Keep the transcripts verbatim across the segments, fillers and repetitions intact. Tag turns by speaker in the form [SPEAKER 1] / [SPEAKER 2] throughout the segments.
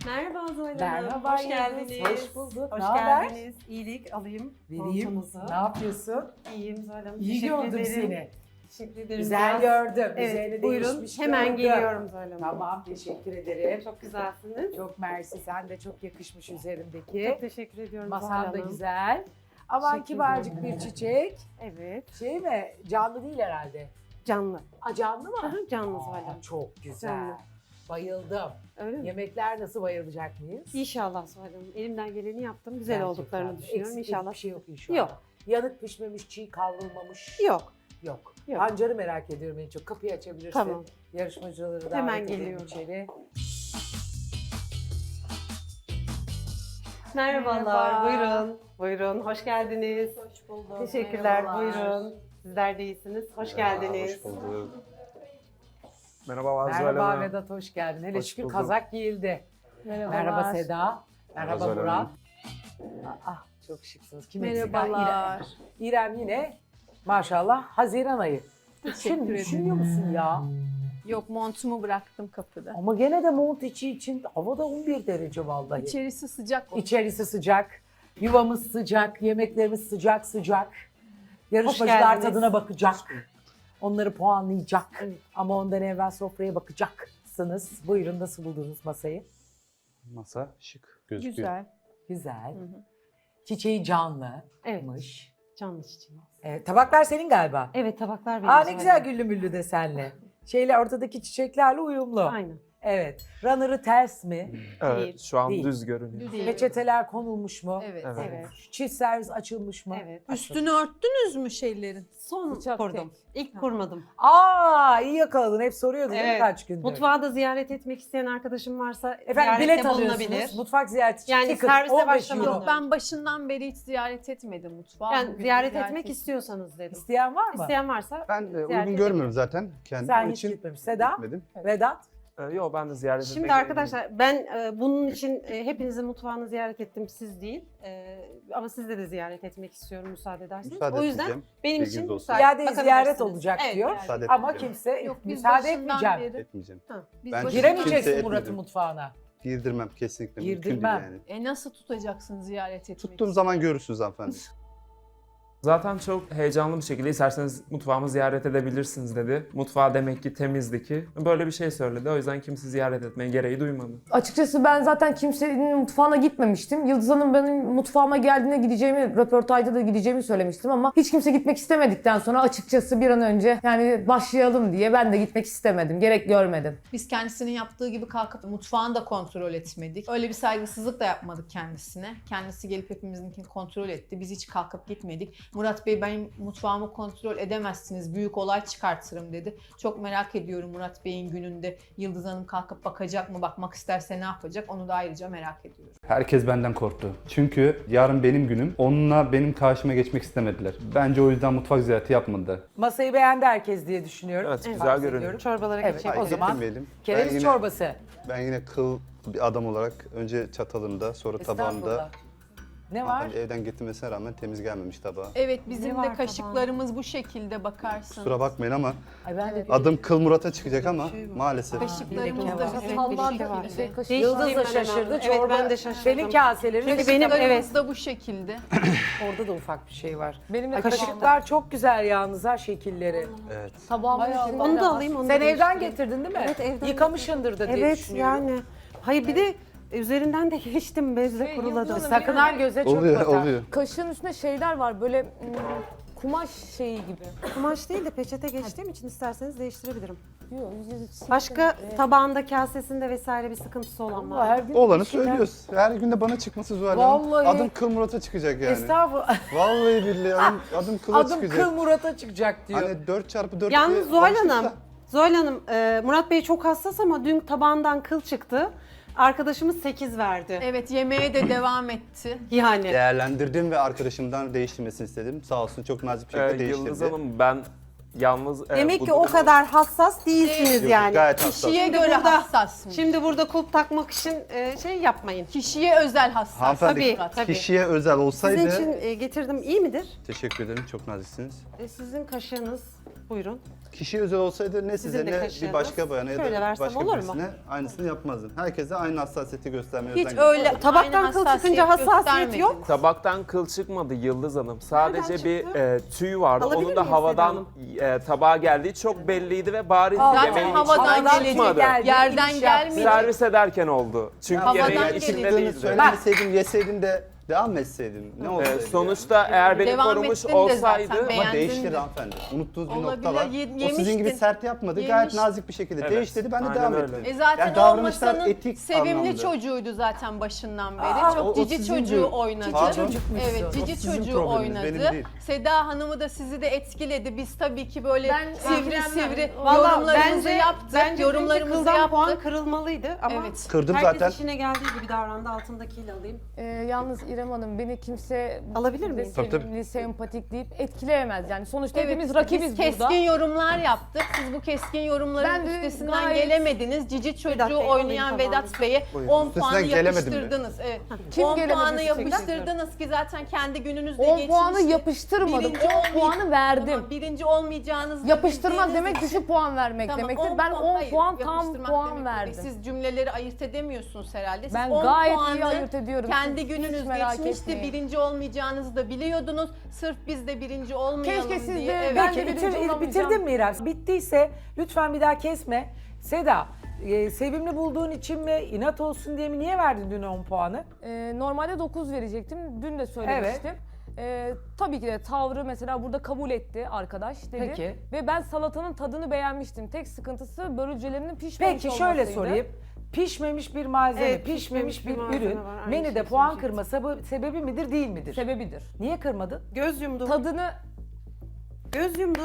[SPEAKER 1] Merhaba Zuhal Hanım.
[SPEAKER 2] Merhaba,
[SPEAKER 1] Hoş geldiniz.
[SPEAKER 2] Hoş bulduk.
[SPEAKER 1] Hoş
[SPEAKER 2] Ne haber?
[SPEAKER 1] geldiniz. İyilik alayım.
[SPEAKER 2] Vereyim.
[SPEAKER 1] Montunuzu.
[SPEAKER 2] Ne yapıyorsun?
[SPEAKER 1] İyiyim Zuhal Hanım.
[SPEAKER 2] İyi
[SPEAKER 1] Teşekkür
[SPEAKER 2] gördüm
[SPEAKER 1] ederim.
[SPEAKER 2] seni.
[SPEAKER 1] Teşekkür ederim.
[SPEAKER 2] Güzel
[SPEAKER 1] Biraz-
[SPEAKER 2] gördüm.
[SPEAKER 1] Evet,
[SPEAKER 2] Üzerine
[SPEAKER 1] buyurun.
[SPEAKER 2] değişmiş
[SPEAKER 1] Hemen
[SPEAKER 2] gördüm.
[SPEAKER 1] geliyorum Zuhal Hanım.
[SPEAKER 2] Tamam, teşekkür ederim.
[SPEAKER 1] Çok güzelsiniz.
[SPEAKER 2] Çok mersi. Sen de çok yakışmış üzerimdeki.
[SPEAKER 1] Çok teşekkür ediyorum Zuhal
[SPEAKER 2] Masan da
[SPEAKER 1] Hanım.
[SPEAKER 2] güzel. Aman
[SPEAKER 1] Teşekkür
[SPEAKER 2] kibarcık
[SPEAKER 1] ederim.
[SPEAKER 2] bir çiçek.
[SPEAKER 1] Evet.
[SPEAKER 2] Şey mi? Canlı değil herhalde.
[SPEAKER 1] Canlı.
[SPEAKER 2] Aa, canlı mı?
[SPEAKER 1] Aha, canlı
[SPEAKER 2] Aa,
[SPEAKER 1] Zuhal Hanım.
[SPEAKER 2] çok güzel.
[SPEAKER 1] Canlı.
[SPEAKER 2] Bayıldım.
[SPEAKER 1] Öyle mi?
[SPEAKER 2] Yemekler nasıl, bayılacak mıyız?
[SPEAKER 1] İnşallah Zuhal Hanım. Elimden geleni yaptım. Güzel
[SPEAKER 2] Gerçekten.
[SPEAKER 1] olduklarını düşünüyorum.
[SPEAKER 2] Eksik
[SPEAKER 1] İnşallah.
[SPEAKER 2] bir şey yok inşallah.
[SPEAKER 1] Yok.
[SPEAKER 2] Yanık pişmemiş, çiğ kavrulmamış.
[SPEAKER 1] Yok.
[SPEAKER 2] Yok.
[SPEAKER 1] Yok.
[SPEAKER 2] Pancarı merak ediyorum en çok. Kapıyı açabilirsin.
[SPEAKER 1] Tamam.
[SPEAKER 2] Yarışmacıları davet
[SPEAKER 1] Hemen
[SPEAKER 2] edelim
[SPEAKER 1] geliyorum.
[SPEAKER 2] içeri.
[SPEAKER 1] Merhabalar.
[SPEAKER 3] Merhaba.
[SPEAKER 1] Buyurun. Buyurun. Hoş geldiniz.
[SPEAKER 3] Hoş bulduk.
[SPEAKER 1] Teşekkürler.
[SPEAKER 3] Merhabalar.
[SPEAKER 1] Buyurun. Sizler de iyisiniz. Hoş geldiniz.
[SPEAKER 4] Hoş bulduk. Merhaba Azra
[SPEAKER 2] Merhaba
[SPEAKER 4] Hanım.
[SPEAKER 2] Vedat, hoş geldin. Hele
[SPEAKER 4] Hoş
[SPEAKER 2] şükür
[SPEAKER 4] bulduk.
[SPEAKER 2] kazak giyildi.
[SPEAKER 3] Merhabalar.
[SPEAKER 2] Merhaba Seda. Merhaba
[SPEAKER 4] Merhaba
[SPEAKER 2] Murat.
[SPEAKER 4] Zuhal
[SPEAKER 2] Ah, çok şıksınız. Kim eksik? Ha,
[SPEAKER 3] Merhabalar.
[SPEAKER 2] İrem. İrem yine maşallah Haziran ayı. Şimdi
[SPEAKER 3] ederim.
[SPEAKER 2] düşünüyor musun ya?
[SPEAKER 3] Yok, montumu bıraktım kapıda.
[SPEAKER 2] Ama gene de mont içi için havada on bir derece vallahi.
[SPEAKER 3] İçerisi sıcak.
[SPEAKER 2] İçerisi sıcak, yuvamız sıcak, yemeklerimiz sıcak sıcak. Yarışmacılar
[SPEAKER 1] geldiniz.
[SPEAKER 2] tadına bakacak. Onları puanlayacak.
[SPEAKER 1] Evet.
[SPEAKER 2] Ama ondan evvel sofraya bakacaksınız. Buyurun, nasıl buldunuz masayı?
[SPEAKER 4] Masa şık gözüküyor.
[SPEAKER 3] Güzel.
[SPEAKER 2] Güzel.
[SPEAKER 3] Hı hı.
[SPEAKER 2] Çiçeği canlımış.
[SPEAKER 1] Evet. Canlı çiçeği.
[SPEAKER 2] Ee, tabaklar senin galiba.
[SPEAKER 1] Evet, tabaklar benim.
[SPEAKER 2] Aa, ne
[SPEAKER 1] Zuhal
[SPEAKER 2] güzel
[SPEAKER 1] Hanım.
[SPEAKER 2] güllü müllü desenli. Şeyle ortadaki çiçeklerle uyumlu.
[SPEAKER 1] Aynen.
[SPEAKER 2] Evet. Runner'ı ters mi?
[SPEAKER 4] Evet,
[SPEAKER 3] Değil.
[SPEAKER 4] şu an
[SPEAKER 2] Değil.
[SPEAKER 4] düz görünüyor.
[SPEAKER 3] Düz. Değil.
[SPEAKER 2] Peçeteler konulmuş mu?
[SPEAKER 3] Evet.
[SPEAKER 4] Evet.
[SPEAKER 1] Evet.
[SPEAKER 2] Çift servis açılmış mı?
[SPEAKER 1] Evet.
[SPEAKER 3] Üstünü örttünüz mü şeylerin?
[SPEAKER 1] Son
[SPEAKER 3] Bıçak
[SPEAKER 1] kurdum. İlk kurmadım.
[SPEAKER 2] Aa, iyi yakaladın. Hep soruyordun değil mi
[SPEAKER 1] Evet.
[SPEAKER 2] kaç gündür?
[SPEAKER 1] Mutfağı da ziyaret etmek isteyen arkadaşım varsa
[SPEAKER 2] Efendim
[SPEAKER 1] ziyarette
[SPEAKER 2] bilet
[SPEAKER 1] bulunabilir.
[SPEAKER 2] alıyorsunuz. Mutfak ziyareti için
[SPEAKER 1] Yani
[SPEAKER 2] ticket
[SPEAKER 1] servise
[SPEAKER 2] on beş
[SPEAKER 1] başlamadan
[SPEAKER 2] euro.
[SPEAKER 1] önce.
[SPEAKER 3] Ben başından beri hiç ziyaret etmedim mutfağı.
[SPEAKER 1] Yani
[SPEAKER 3] Bugün
[SPEAKER 1] ziyaret
[SPEAKER 3] ziyaret
[SPEAKER 1] etmek
[SPEAKER 3] ettim.
[SPEAKER 1] istiyorsanız dedim.
[SPEAKER 2] İsteyen var mı?
[SPEAKER 1] İsteyen varsa
[SPEAKER 5] Ben e,
[SPEAKER 1] Ziyaret
[SPEAKER 5] uygun
[SPEAKER 1] edebilirim.
[SPEAKER 5] görmüyorum zaten kendim
[SPEAKER 2] Sen hiç
[SPEAKER 5] için
[SPEAKER 2] gitmemiş. Seda,
[SPEAKER 5] gitmedim.
[SPEAKER 2] Vedat.
[SPEAKER 4] Ee, yok ben de ziyaret etmek
[SPEAKER 1] Şimdi arkadaşlar ben e, bunun için e, hepinizin mutfağını ziyaret ettim, siz değil. E, ama sizde de ziyaret etmek istiyorum müsaade ederseniz.
[SPEAKER 5] Müsaade
[SPEAKER 1] o yüzden
[SPEAKER 5] etmeyeceğim.
[SPEAKER 1] benim
[SPEAKER 5] Bilginiz
[SPEAKER 1] için
[SPEAKER 5] olsun.
[SPEAKER 1] müsaade
[SPEAKER 2] İade
[SPEAKER 1] bakabilirsiniz.
[SPEAKER 2] ziyaret olacak
[SPEAKER 1] Evet,
[SPEAKER 2] diyor.
[SPEAKER 1] yani.
[SPEAKER 5] Müsaade
[SPEAKER 2] Ama
[SPEAKER 5] etmeyeceğim.
[SPEAKER 2] kimse
[SPEAKER 3] Yok, biz
[SPEAKER 2] müsaade
[SPEAKER 3] başından
[SPEAKER 2] etmeyeceğim.
[SPEAKER 3] beri-
[SPEAKER 5] Etmeyeceğim.
[SPEAKER 1] Ha.
[SPEAKER 3] Biz
[SPEAKER 5] Ben
[SPEAKER 3] başından-
[SPEAKER 2] Giremeyeceksin
[SPEAKER 5] Kimse
[SPEAKER 2] Murat'ın
[SPEAKER 5] etmedim.
[SPEAKER 2] mutfağına.
[SPEAKER 5] Girdirmem kesinlikle. Mümkün değil
[SPEAKER 2] Girdirmem.
[SPEAKER 5] yani.
[SPEAKER 3] E nasıl tutacaksın ziyaret etmek
[SPEAKER 5] Tuttuğum
[SPEAKER 3] için?
[SPEAKER 5] zaman görürsünüz hanımefendi.
[SPEAKER 4] Zaten çok heyecanlı bir şekilde isterseniz mutfağımı ziyaret edebilirsiniz dedi. Mutfağı demek ki temizdi ki. Böyle bir şey söyledi. O yüzden kimse ziyaret etmeye gereği duymadı.
[SPEAKER 6] Açıkçası ben zaten kimsenin mutfağına gitmemiştim. Yıldız Hanım benim mutfağıma geldiğinde gideceğimi, röportajda da gideceğimi söylemiştim ama hiç kimse gitmek istemedikten sonra açıkçası bir an önce yani başlayalım diye ben de gitmek istemedim. Gerek görmedim.
[SPEAKER 3] Biz kendisinin yaptığı gibi kalkıp mutfağını da kontrol etmedik. Öyle bir saygısızlık da yapmadık kendisine. Kendisi gelip hepimizinkini kontrol etti. Biz hiç kalkıp gitmedik. Murat Bey, benim mutfağımı kontrol edemezsiniz, büyük olay çıkartırım dedi. Çok merak ediyorum Murat Bey'in gününde Yıldız Hanım kalkıp bakacak mı, bakmak isterse ne yapacak, onu da ayrıca merak ediyorum.
[SPEAKER 5] Herkes benden korktu. Çünkü yarın benim günüm. Onunla benim karşıma geçmek istemediler. Bence o yüzden mutfak ziyareti yapmadılar.
[SPEAKER 2] Masayı beğendi herkes diye düşünüyorum.
[SPEAKER 4] Evet, güzel
[SPEAKER 2] Bahsediyorum.
[SPEAKER 4] görünüyor.
[SPEAKER 1] Çorbalara
[SPEAKER 2] Evet,
[SPEAKER 1] geçelim.
[SPEAKER 2] o
[SPEAKER 5] Hayır,
[SPEAKER 2] zaman
[SPEAKER 5] getirmeyelim. Ben
[SPEAKER 2] Kereviz
[SPEAKER 5] yine,
[SPEAKER 2] çorbası.
[SPEAKER 5] ben yine kıl bir adam olarak önce çatalımda sonra tabağımda.
[SPEAKER 2] Estağfurullah. Ne var?
[SPEAKER 5] Hanımefendi evden getirmesine rağmen temiz gelmemiş tabağa.
[SPEAKER 3] Evet, bizim
[SPEAKER 1] Ne
[SPEAKER 3] de
[SPEAKER 1] var
[SPEAKER 3] kaşıklarımız bu şekilde bakarsın.
[SPEAKER 5] Kusura bakmayın ama
[SPEAKER 2] Ay ben de
[SPEAKER 5] adım Kıl Murat'a çıkacak ama maalesef.
[SPEAKER 3] Kaşıklarımız
[SPEAKER 2] Leke
[SPEAKER 3] da
[SPEAKER 2] var.
[SPEAKER 3] bizim
[SPEAKER 1] Evet,
[SPEAKER 3] bu
[SPEAKER 1] bir leke
[SPEAKER 3] şekilde.
[SPEAKER 1] var.
[SPEAKER 6] Şey, kaşık-
[SPEAKER 2] Yıldız da
[SPEAKER 1] Değiştireyim ben
[SPEAKER 2] şaşırdı.
[SPEAKER 1] hemen.
[SPEAKER 2] Çorba,
[SPEAKER 1] Evet, ben de şaşırdım.
[SPEAKER 2] senin kaselerin
[SPEAKER 1] Çünkü
[SPEAKER 2] ışık
[SPEAKER 1] benim-
[SPEAKER 2] takımı.
[SPEAKER 3] Kaşıklarımız da bu şekilde.
[SPEAKER 2] Orada da ufak bir şey var.
[SPEAKER 6] Benim de
[SPEAKER 2] Kaşıklar çok güzel yalnız ha, şekilleri.
[SPEAKER 5] Evet.
[SPEAKER 6] tabağımın
[SPEAKER 2] Hay Allah.
[SPEAKER 6] içinde
[SPEAKER 1] Onu
[SPEAKER 6] de
[SPEAKER 1] da
[SPEAKER 6] var.
[SPEAKER 1] alayım, onu
[SPEAKER 2] Sen
[SPEAKER 1] da
[SPEAKER 2] evden
[SPEAKER 1] değiştireyim.
[SPEAKER 2] getirdin değil mi?
[SPEAKER 1] Evet, evden
[SPEAKER 2] Yıkamışsındır da diye
[SPEAKER 1] Evet
[SPEAKER 2] düşünüyorum.
[SPEAKER 1] yani. Hayır bir de üzerinden de geçtim, bezle
[SPEAKER 6] Şey,
[SPEAKER 1] kuruladı.
[SPEAKER 6] Yıldız Hanım,
[SPEAKER 2] Sakın ha göze çok
[SPEAKER 5] Oluyor
[SPEAKER 2] batar.
[SPEAKER 5] oluyor.
[SPEAKER 6] Kaşığın üstünde şeyler var böyle hmm, kumaş şeyi gibi.
[SPEAKER 1] Kumaş değil de peçete geçtiğim için isterseniz değiştirebilirim.
[SPEAKER 6] Yok, yüz yüz-
[SPEAKER 1] Başka tabağında, kasesinde vesaire bir sıkıntısı olan
[SPEAKER 2] Allah,
[SPEAKER 1] var.
[SPEAKER 2] her gün
[SPEAKER 5] Olanı
[SPEAKER 2] bir şeyler-
[SPEAKER 5] söylüyoruz. Her günde bana çıkması Zuhal Hanım.
[SPEAKER 2] Vallahi.
[SPEAKER 5] Adım Kıl Murat'a çıkacak yani.
[SPEAKER 2] Estağfurullah.
[SPEAKER 5] Vallahi billahi adım, adım Kıl'a
[SPEAKER 2] Adım
[SPEAKER 5] çıkacak.
[SPEAKER 2] Kıl Murat'a çıkacak diyor.
[SPEAKER 5] Hani dört çarpı dört
[SPEAKER 1] Yalnız
[SPEAKER 5] diye
[SPEAKER 1] Zuhal
[SPEAKER 5] başlıkta-
[SPEAKER 1] Hanım, Zuhal Hanım, e, Murat Bey çok hassas ama dün tabağından kıl çıktı. Arkadaşımız sekiz verdi.
[SPEAKER 3] Evet, yemeğe de devam etti.
[SPEAKER 1] Yani.
[SPEAKER 5] Değerlendirdim ve arkadaşımdan değiştirmesini istedim. Sağ olsun çok nazik bir
[SPEAKER 4] Ee,
[SPEAKER 5] şekilde değiştirdi.
[SPEAKER 4] Yıldız Hanım ben yalnız... e,
[SPEAKER 1] Demek
[SPEAKER 4] bu
[SPEAKER 1] ki o
[SPEAKER 4] durumu-
[SPEAKER 1] kadar hassas değilsiniz
[SPEAKER 5] Yok,
[SPEAKER 1] yani.
[SPEAKER 5] Gayet hassas.
[SPEAKER 3] Kişiye
[SPEAKER 1] Şimdi
[SPEAKER 3] göre
[SPEAKER 1] burada-
[SPEAKER 3] hassasmış.
[SPEAKER 1] Şimdi burada kulp takmak için e, şey yapmayın.
[SPEAKER 3] Kişiye özel hassas.
[SPEAKER 5] Hanımefendi
[SPEAKER 1] Tabii, tabii.
[SPEAKER 5] kişiye özel olsaydı...
[SPEAKER 1] Sizin için e, getirdim, iyi midir?
[SPEAKER 5] Teşekkür ederim çok naziksiniz.
[SPEAKER 1] E, sizin kaşığınız, buyurun.
[SPEAKER 5] Kişi özel olsaydı ne size
[SPEAKER 1] Sizin de
[SPEAKER 5] ne bir
[SPEAKER 1] kaşığınız.
[SPEAKER 5] başka bayana ya
[SPEAKER 1] Şöyle
[SPEAKER 5] da
[SPEAKER 1] versem
[SPEAKER 5] başka
[SPEAKER 1] olur mu?
[SPEAKER 5] birisine aynısını yapmazdım. Herkese aynı hassasiyeti göstermeye
[SPEAKER 3] Hiç
[SPEAKER 5] özen
[SPEAKER 3] öyle
[SPEAKER 1] Tabaktan
[SPEAKER 3] aynı
[SPEAKER 1] kıl
[SPEAKER 3] hassasiyet
[SPEAKER 1] çıkınca hassasiyet
[SPEAKER 3] göstermediniz.
[SPEAKER 1] yok.
[SPEAKER 4] Tabaktan kıl çıkmadı Yıldız Hanım. Sadece
[SPEAKER 1] Nereden
[SPEAKER 4] bir
[SPEAKER 1] çıktı?
[SPEAKER 4] e, tüy vardı.
[SPEAKER 1] Alabilir
[SPEAKER 4] Onun da
[SPEAKER 1] miyim Seda
[SPEAKER 4] havadan
[SPEAKER 1] Hanım?
[SPEAKER 4] e, tabağa geldiği çok belliydi ve bariz
[SPEAKER 3] Zaten
[SPEAKER 4] yemeğin
[SPEAKER 3] havadan
[SPEAKER 4] içinden
[SPEAKER 3] gelecek
[SPEAKER 4] çıkmadı.
[SPEAKER 2] geldi,
[SPEAKER 3] Yerden
[SPEAKER 2] iniş yaptı.
[SPEAKER 3] gelmeyecek.
[SPEAKER 4] Servis ederken oldu. Çünkü
[SPEAKER 3] Havadan
[SPEAKER 4] yemeğin
[SPEAKER 3] gelecek.
[SPEAKER 4] içinde
[SPEAKER 5] Çıktığını
[SPEAKER 4] değildi.
[SPEAKER 5] söylemeseydin, yeseydin de devam etseydin. Ne olsaydı?
[SPEAKER 4] E, sonuçta eğer beni
[SPEAKER 3] Devam
[SPEAKER 4] korumuş
[SPEAKER 3] ettin de
[SPEAKER 4] olsaydı
[SPEAKER 3] zaten,
[SPEAKER 5] Ama
[SPEAKER 3] beğendin
[SPEAKER 5] değişti
[SPEAKER 3] de.
[SPEAKER 5] hanımefendi. Unuttuğunuz bir
[SPEAKER 3] Olabilir,
[SPEAKER 5] nokta var.
[SPEAKER 3] ye-
[SPEAKER 5] O sizin gibi
[SPEAKER 3] yemiştin.
[SPEAKER 5] sert yapmadı. Gayet
[SPEAKER 3] Yemiştin.
[SPEAKER 5] nazik bir şekilde
[SPEAKER 4] Evet,
[SPEAKER 5] değiş dedi. Ben de
[SPEAKER 4] aynen
[SPEAKER 5] devam
[SPEAKER 4] öyle.
[SPEAKER 5] ettim.
[SPEAKER 3] E zaten
[SPEAKER 5] Yani davranışlar
[SPEAKER 3] olmasanın
[SPEAKER 5] etik
[SPEAKER 3] sevimli
[SPEAKER 5] anlamda.
[SPEAKER 3] çocuğuydu zaten başından beri.
[SPEAKER 5] Aa,
[SPEAKER 3] Çok
[SPEAKER 5] o- o
[SPEAKER 3] cici
[SPEAKER 5] sizin
[SPEAKER 3] çocuğu
[SPEAKER 5] değil.
[SPEAKER 3] oynadı.
[SPEAKER 5] Pardon?
[SPEAKER 2] Çocukmuşsun.
[SPEAKER 3] Evet,
[SPEAKER 5] O
[SPEAKER 3] cici
[SPEAKER 5] sizin
[SPEAKER 3] çocuğu
[SPEAKER 5] probleminiz, benim
[SPEAKER 3] oynadı.
[SPEAKER 5] değil.
[SPEAKER 3] Seda Hanım'ı da sizi de etkiledi. Biz tabii ki böyle
[SPEAKER 6] Ben
[SPEAKER 3] sivri
[SPEAKER 6] ilgilenmem.
[SPEAKER 3] sivri
[SPEAKER 6] Vallahi
[SPEAKER 3] yorumlarımızı
[SPEAKER 1] bence,
[SPEAKER 3] yaptık.
[SPEAKER 1] Bence
[SPEAKER 3] yorumlarımızı
[SPEAKER 1] kıldan
[SPEAKER 3] yaptık.
[SPEAKER 1] puan kırılmalıydı ama
[SPEAKER 3] Evet.
[SPEAKER 5] Kırdım
[SPEAKER 1] herkes
[SPEAKER 5] zaten.
[SPEAKER 1] işine geldiği gibi davrandı. Altındakiyle alayım.
[SPEAKER 6] Ee, yalnız İrem Hanım beni kimse
[SPEAKER 1] Alabilir
[SPEAKER 6] de
[SPEAKER 1] miyim?
[SPEAKER 5] Tabii, tabii.
[SPEAKER 6] sevimli, sempatik deyip etkileyemez. Yani sonuçta
[SPEAKER 3] Evet,
[SPEAKER 6] hepimiz
[SPEAKER 3] işte
[SPEAKER 6] rakibiz
[SPEAKER 3] biz
[SPEAKER 6] burada.
[SPEAKER 3] keskin yorumlar yaptık. Siz bu keskin yorumların
[SPEAKER 6] Ben de
[SPEAKER 3] üstesinden
[SPEAKER 6] gayet-
[SPEAKER 3] gelemediniz. Cici çocuğu
[SPEAKER 1] Bey, alayım
[SPEAKER 3] oynayan
[SPEAKER 1] tabağını.
[SPEAKER 3] Vedat Bey'e
[SPEAKER 5] Buyurun.
[SPEAKER 3] on
[SPEAKER 5] Üstesinden
[SPEAKER 3] puanı
[SPEAKER 5] gelemedim mi?
[SPEAKER 3] yapıştırdınız. Evet.
[SPEAKER 6] Kim
[SPEAKER 3] on
[SPEAKER 6] gelemedi
[SPEAKER 3] puanı
[SPEAKER 6] üstesinden?
[SPEAKER 3] yapıştırdınız ki zaten kendi gününüzde
[SPEAKER 6] on
[SPEAKER 3] geçmişti.
[SPEAKER 6] puanı yapıştırmadım.
[SPEAKER 3] Birinci
[SPEAKER 6] on
[SPEAKER 3] olmay-
[SPEAKER 6] puanı verdim.
[SPEAKER 3] Tamam, birinci olmayacağınızı
[SPEAKER 6] Yapıştırmak
[SPEAKER 3] bildiğiniz
[SPEAKER 6] demek
[SPEAKER 3] için-
[SPEAKER 6] düşük puan vermek
[SPEAKER 3] Tamam,
[SPEAKER 6] demektir.
[SPEAKER 3] on
[SPEAKER 6] Ben on
[SPEAKER 3] hayır,
[SPEAKER 6] puan tam
[SPEAKER 3] yapıştırmak
[SPEAKER 6] puan
[SPEAKER 3] demek
[SPEAKER 6] verdim.
[SPEAKER 3] demek. Siz cümleleri ayırt edemiyorsunuz herhalde. Siz
[SPEAKER 6] Ben
[SPEAKER 3] on
[SPEAKER 6] gayet iyi
[SPEAKER 3] puanı
[SPEAKER 6] ayırt ediyorum.
[SPEAKER 3] Kendi
[SPEAKER 6] Siz
[SPEAKER 3] gününüz
[SPEAKER 6] hiç merak
[SPEAKER 3] geçmişti.
[SPEAKER 6] etmeyin.
[SPEAKER 3] Birinci olmayacağınızı da biliyordunuz. Sırf biz de birinci olmayalım
[SPEAKER 6] Keşke siz
[SPEAKER 3] diye.
[SPEAKER 6] de-
[SPEAKER 3] Evet.
[SPEAKER 6] ben
[SPEAKER 2] Peki
[SPEAKER 6] de birinci
[SPEAKER 2] bitir,
[SPEAKER 6] olamayacağım.
[SPEAKER 2] bitirdin mi İrem? Bittiyse lütfen bir daha kesme. Seda, e, sevimli bulduğun için mi, inat olsun diye mi, niye verdin dün on puanı?
[SPEAKER 6] Ee, normalde dokuz verecektim. Dün de söylemiştim. Ee, tabii ki de tavrı mesela burada kabul etti arkadaş dedi.
[SPEAKER 2] Peki.
[SPEAKER 6] Ve ben salatanın tadını beğenmiştim. Tek sıkıntısı börülcelerinin pişmemiş
[SPEAKER 2] Peki şöyle
[SPEAKER 6] olmasıydı.
[SPEAKER 2] sorayım. Pişmemiş bir malzeme,
[SPEAKER 1] Evet,
[SPEAKER 2] pişmemiş,
[SPEAKER 1] pişmemiş
[SPEAKER 2] bir
[SPEAKER 1] bir malzeme
[SPEAKER 2] ürün
[SPEAKER 1] var. Aynı
[SPEAKER 2] menüde
[SPEAKER 1] şeyi
[SPEAKER 2] puan
[SPEAKER 1] söyleyecektim.
[SPEAKER 2] kırma sebebi, sebebi midir değil midir?
[SPEAKER 6] Sebebidir.
[SPEAKER 2] Niye kırmadın?
[SPEAKER 1] Göz yumdu.
[SPEAKER 6] Tadını
[SPEAKER 1] Göz yumdu.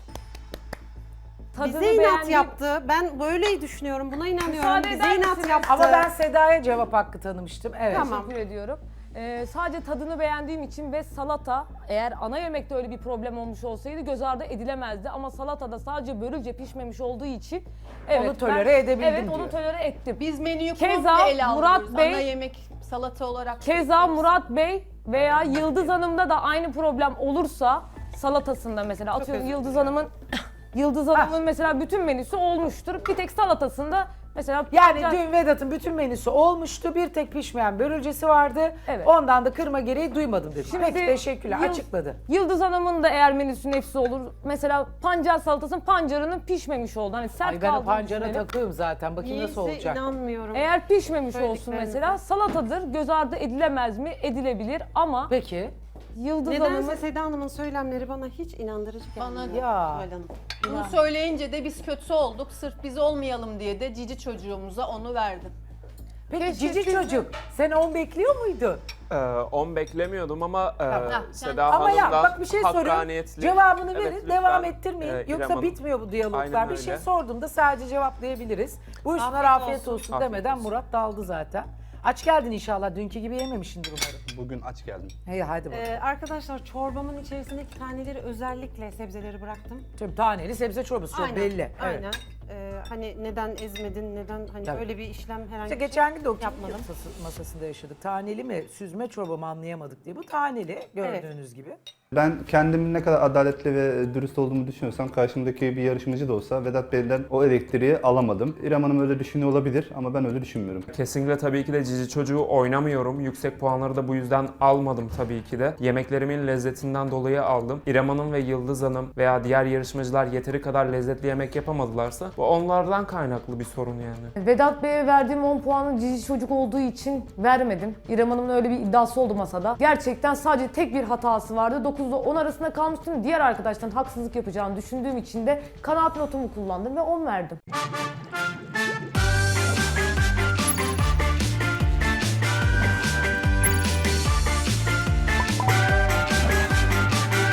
[SPEAKER 6] tadını
[SPEAKER 1] Bize inat
[SPEAKER 6] beğendim.
[SPEAKER 1] yaptı. Ben böyle düşünüyorum. Buna inanıyorum.
[SPEAKER 6] Müsaade
[SPEAKER 1] Bize
[SPEAKER 6] eder
[SPEAKER 1] inat
[SPEAKER 6] misiniz?
[SPEAKER 1] yaptı.
[SPEAKER 2] Ama ben Seda'ya cevap hakkı tanımıştım. Evet.
[SPEAKER 1] Tamam.
[SPEAKER 6] Teşekkür ediyorum. Ee, sadece tadını beğendiğim için ve salata eğer ana yemekte öyle bir problem olmuş olsaydı göz ardı edilemezdi. Ama salatada sadece börülce pişmemiş olduğu için evet,
[SPEAKER 2] Onu tolere edebildim
[SPEAKER 6] Evet
[SPEAKER 2] diyor.
[SPEAKER 6] onu tolere ettim.
[SPEAKER 3] Biz menüyü
[SPEAKER 6] Keza
[SPEAKER 3] komple ele
[SPEAKER 6] Murat
[SPEAKER 3] alıyoruz.
[SPEAKER 6] Bey-
[SPEAKER 3] Ana yemek salata olarak.
[SPEAKER 6] Keza Murat Bey veya Yıldız Hanım'da da aynı problem olursa salatasında mesela atıyorum
[SPEAKER 1] özür
[SPEAKER 6] Yıldız Hanım'ın Yıldız Hanım'ın mesela bütün menüsü olmuştur. Bir tek salatasında mesela
[SPEAKER 2] Yani
[SPEAKER 6] patlıcan-
[SPEAKER 2] dün Vedat'ın bütün menüsü olmuştu. Bir tek pişmeyen börülcesi vardı.
[SPEAKER 6] Evet.
[SPEAKER 2] Ondan da kırma gereği duymadım dedi.
[SPEAKER 6] Şimdi
[SPEAKER 2] Peki teşekkürler.
[SPEAKER 6] Yıl-
[SPEAKER 2] Açıkladı.
[SPEAKER 6] Yıldız Hanım'ın da eğer menüsü nefsi olur. Mesela pancar salatasının pancarının pişmemiş oldu. Hani sert
[SPEAKER 2] Ay ben o
[SPEAKER 6] kaldığını
[SPEAKER 2] pancara
[SPEAKER 6] düşünelim.
[SPEAKER 2] takığım zaten. Bakayım nasıl
[SPEAKER 1] Niyeyse
[SPEAKER 2] olacak.
[SPEAKER 1] inanmıyorum.
[SPEAKER 6] Eğer pişmemiş olsun
[SPEAKER 1] Söylediklerinize.
[SPEAKER 6] mesela salatadır. Göz ardı edilemez mi? Edilebilir ama
[SPEAKER 2] Peki.
[SPEAKER 6] Yıldız
[SPEAKER 1] Nedense
[SPEAKER 6] Hanım'ın
[SPEAKER 1] Seda Hanım'ın söylemleri bana hiç inandırıcı gelmiyor.
[SPEAKER 3] Bana da.
[SPEAKER 2] Ya.
[SPEAKER 1] Zuhal Hanım.
[SPEAKER 3] Bunu söyleyince de biz kötü olduk. Sırf biz olmayalım diye de cici çocuğumuza onu verdim.
[SPEAKER 2] Peki
[SPEAKER 6] Keşke
[SPEAKER 2] cici
[SPEAKER 6] siz de-
[SPEAKER 2] çocuk sen on bekliyor muydun?
[SPEAKER 4] Ee, on beklemiyordum ama e,
[SPEAKER 3] Ah,
[SPEAKER 4] Seda
[SPEAKER 2] Ama ya
[SPEAKER 4] Hanım'dan
[SPEAKER 2] bak bir şey soruyorum.
[SPEAKER 4] hakkaniyetli.
[SPEAKER 2] Cevabını
[SPEAKER 4] Evet,
[SPEAKER 2] verin.
[SPEAKER 4] lütfen,
[SPEAKER 2] Devam ettirmeyin.
[SPEAKER 4] e, İrem
[SPEAKER 2] Yoksa
[SPEAKER 4] Hanım.
[SPEAKER 2] bitmiyor bu diyaloglar.
[SPEAKER 4] Aynen
[SPEAKER 2] Bir şey
[SPEAKER 4] öyle.
[SPEAKER 2] sorduğumda sadece cevaplayabiliriz. Buyursunlar
[SPEAKER 1] Afiyet
[SPEAKER 2] afiyet, olsun,
[SPEAKER 4] Afiyet
[SPEAKER 2] demeden
[SPEAKER 4] olsun.
[SPEAKER 2] Murat daldı zaten. Aç geldin inşallah. Dünkü gibi yememişsindir umarım.
[SPEAKER 5] Bugün aç geldim.
[SPEAKER 2] Hey hadi bakalım.
[SPEAKER 1] Ee, arkadaşlar çorbamın içerisindeki taneleri özellikle sebzeleri bıraktım.
[SPEAKER 2] Şimdi taneli sebze çorbası çok
[SPEAKER 1] Aynen,
[SPEAKER 2] belli. Evet.
[SPEAKER 1] Aynen. Ee, hani neden ezmedin, neden hani
[SPEAKER 2] Tabii.
[SPEAKER 1] öyle bir işlem herhangi
[SPEAKER 2] İşte
[SPEAKER 1] bir şey
[SPEAKER 2] geçen gün de o
[SPEAKER 1] yapmadım.
[SPEAKER 2] masası- masasında yaşadık. Taneli mi, süzme çorba mı anlayamadık diye. Bu taneli gördüğünüz gibi.
[SPEAKER 5] Ben kendimin ne kadar adaletli ve dürüst olduğumu düşünüyorsam karşımdaki bir yarışmacı da olsa Vedat Bey'den o elektriği alamadım. İrem Hanım öyle düşünüyor olabilir ama ben öyle düşünmüyorum.
[SPEAKER 4] Kesinlikle tabii ki de cici çocuğu oynamıyorum. Yüksek puanları da bu yüzden almadım tabii ki de. Yemeklerimin lezzetinden dolayı aldım. İrem Hanım ve Yıldız Hanım veya diğer yarışmacılar yeteri kadar lezzetli yemek yapamadılarsa bu onlardan kaynaklı bir sorun yani.
[SPEAKER 6] Vedat Bey'e verdiğim on puanı cici çocuk olduğu için vermedim. İrem Hanım'ın öyle bir iddiası oldu masada. Gerçekten sadece tek bir hatası vardı. dokuzla on arasında kalmıştım. Diğer arkadaştan haksızlık yapacağını düşündüğüm için de kanaat notumu kullandım ve on verdim.